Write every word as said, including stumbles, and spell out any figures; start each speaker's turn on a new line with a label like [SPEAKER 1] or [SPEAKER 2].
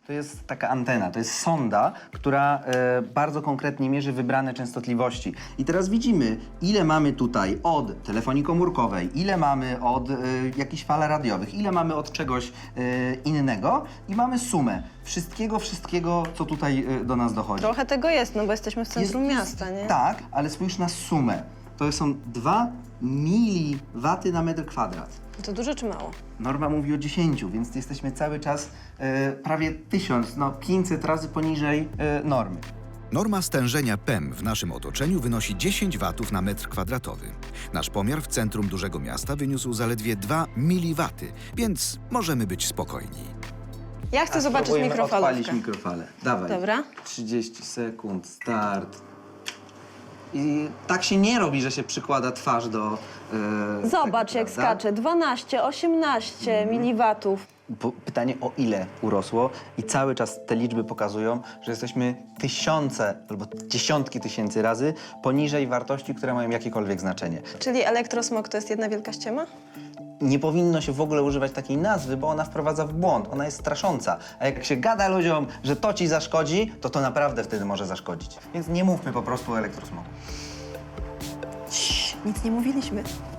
[SPEAKER 1] To jest taka antena, to jest sonda, która e, bardzo konkretnie mierzy wybrane częstotliwości. I teraz widzimy, ile mamy tutaj od telefonii komórkowej, ile mamy od e, jakichś fal radiowych, ile mamy od czegoś e, innego i mamy sumę wszystkiego, wszystkiego, co tutaj e, do nas dochodzi.
[SPEAKER 2] Trochę tego jest, no bo jesteśmy w centrum
[SPEAKER 1] Jest-
[SPEAKER 2] miasta, nie?
[SPEAKER 1] Tak, ale spójrz na sumę. To są dwa miliwaty na metr kwadrat.
[SPEAKER 2] To dużo czy mało?
[SPEAKER 1] Norma mówi o dziesięciu, więc jesteśmy cały czas e, prawie tysiąc, no pięćset razy poniżej e, normy.
[SPEAKER 3] Norma stężenia P E M w naszym otoczeniu wynosi dziesięć watów na metr kwadratowy. Nasz pomiar w centrum dużego miasta wyniósł zaledwie dwa miliwaty, więc możemy być spokojni.
[SPEAKER 2] Ja chcę
[SPEAKER 1] A
[SPEAKER 2] zobaczyć
[SPEAKER 1] spróbujmy
[SPEAKER 2] mikrofalówkę.
[SPEAKER 1] odpalić mikrofalę. Dawaj.
[SPEAKER 2] Dobra.
[SPEAKER 1] trzydzieści sekund, start. I tak się nie robi, że się przykłada twarz do... E,
[SPEAKER 2] Zobacz,
[SPEAKER 1] tego,
[SPEAKER 2] jak
[SPEAKER 1] prawda?
[SPEAKER 2] skacze. dwanaście, osiemnaście miliwatów.
[SPEAKER 1] Bo pytanie, o ile urosło i cały czas te liczby pokazują, że jesteśmy tysiące albo dziesiątki tysięcy razy poniżej wartości, które mają jakiekolwiek znaczenie.
[SPEAKER 2] Czyli elektrosmog to jest jedna wielka ściema?
[SPEAKER 1] Nie powinno się w ogóle używać takiej nazwy, bo ona wprowadza w błąd, ona jest strasząca. A jak się gada ludziom, że to ci zaszkodzi, to to naprawdę wtedy może zaszkodzić. Więc nie mówmy po prostu o elektrosmogu.
[SPEAKER 2] Nic nie mówiliśmy.